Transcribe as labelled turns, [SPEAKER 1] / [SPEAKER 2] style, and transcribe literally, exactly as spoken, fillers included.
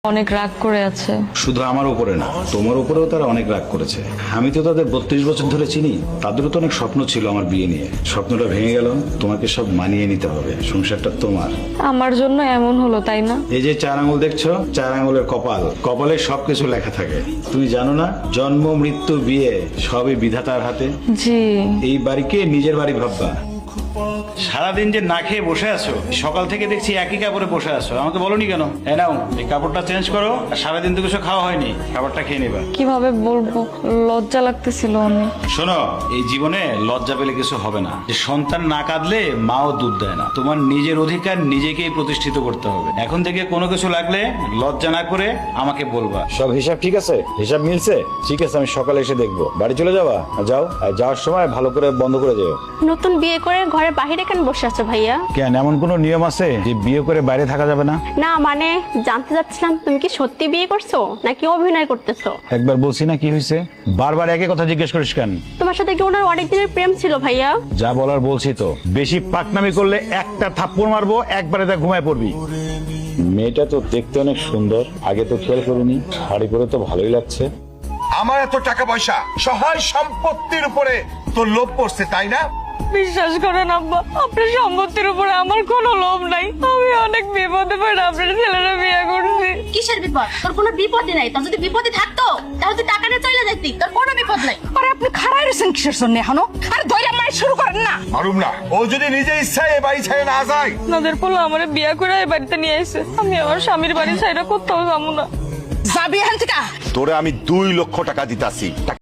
[SPEAKER 1] অনেক রাগ করে আছে।
[SPEAKER 2] শুধু আমার উপরে না, তোমার উপরেও তারা অনেক রাগ করেছে। আমি তো তাদের বত্রিশ বছর ধরে চিনি। তাদেরও তো অনেক স্বপ্ন ছিল আমার বিয়ে নিয়ে। স্বপ্নটা ভেঙে গেল। তোমাকে সব মানিয়ে নিতে হবে, সংসারটা তোমার।
[SPEAKER 1] আমার জন্য এমন হলো, তাই না?
[SPEAKER 2] এই যে চার আঙুল দেখছো, চার আঙুলের কপাল, কপালে সবকিছু লেখা থাকে। তুমি জানো না, জন্ম মৃত্যু বিয়ে সবই বিধাতার হাতে।
[SPEAKER 1] জি।
[SPEAKER 2] এই বাড়িকে নিজের বাড়ি ভাববা। সারাদিন যে না খেয়ে বসে আছো, সকাল থেকে দেখছি একই কাপড়ে বসে আছো, আমাকে বলোনি কেন? এ নাও, এই কাপড়টা চেঞ্জ করো। আর সারাদিন তো কিছু খাওয়া হয়নি, খাবারটা খেয়ে নেবা।
[SPEAKER 1] কিভাবে বলবো, লজ্জা লাগতেছিল অনেক।
[SPEAKER 2] শোনো, এই জীবনে লজ্জা পেলে কিছু হবে না। যে সন্তান না কাঁদলে মাও দুধ দেয় না। তোমার নিজের অধিকার নিজেকেই প্রতিষ্ঠিত করতে হবে। এখন থেকে কোনো কিছু লাগলে লজ্জা না করে আমাকে বলবা। সব হিসাব ঠিক আছে? হিসাব মিলছে? ঠিক আছে, আমি সকালে এসে দেখবো। বাড়ি চলে যাবা? যাও, আর যাওয়ার সময় ভালো করে বন্ধ করে যাও।
[SPEAKER 3] নতুন বিয়ে করে ঘরের বাহিরে কেন বসে আছো ভাইয়া?
[SPEAKER 2] কেন, এমন কোনো নিয়ম আছে যে বিয়ে করে বাইরে থাকা যাবে না?
[SPEAKER 3] না মানে জানতে চাচ্ছিলাম তুমি কি সত্যি বিয়ে করছো নাকি অভিনয় করতেছো?
[SPEAKER 2] একবার বলছি না, কি হয়েছে? বারবার একই কথা জিজ্ঞেস করিস কেন?
[SPEAKER 3] তোমার সাথে কি ওনার অনেক দিনের প্রেম ছিল ভাইয়া?
[SPEAKER 2] যা বলার বলছি তো। বেশি পাকনামি করলে একটা থাপ্পড় মারবো, একবারে তা ঘুমায় পড়বি। মেয়েটা তো দেখতে অনেক সুন্দর, আগে তো খেয়াল করিনি। শাড়ি পরে তো ভালোই লাগছে।
[SPEAKER 4] আমার এত টাকা পয়সা, সহায় সম্পত্তির উপরে তোর লোভ পড়ছে, তাই না?
[SPEAKER 1] বিশ্বাস করেন আব্বা, আপনার সম্পত্তির উপরে আমার কোনো লোভ নাই। আমি অনেক বিপদে পড়ে আপনার ছেলেরা বিয়ে করছি।
[SPEAKER 3] কিসের বিপদ? তোর কোনো বিপদই নাই। তোর যদি বিপদই থাকতো তাহলে তুই টাকা নিয়ে চলে যাইতি। তোর কোনো বিপদ নাই।
[SPEAKER 5] আরে আপনি খাড়াই রয়েছেন কিসের জন্য এখনো? আরে ধৈর্য মারি শুরু করেন না।
[SPEAKER 4] মারুম না, ও যদি নিজে ইচ্ছায় এ বাড়ি ছেড়ে না যায়।
[SPEAKER 1] আপনাদের পোলা আমার বিয়ে করে এই বাড়িতে নিয়ে এসে আমি আমার স্বামীর বাড়ি ছাইরা কোথাও যাবো না।
[SPEAKER 5] যাবি এখান থেকে।
[SPEAKER 4] তোরে আমি দুই লক্ষ টাকা দিতাছি।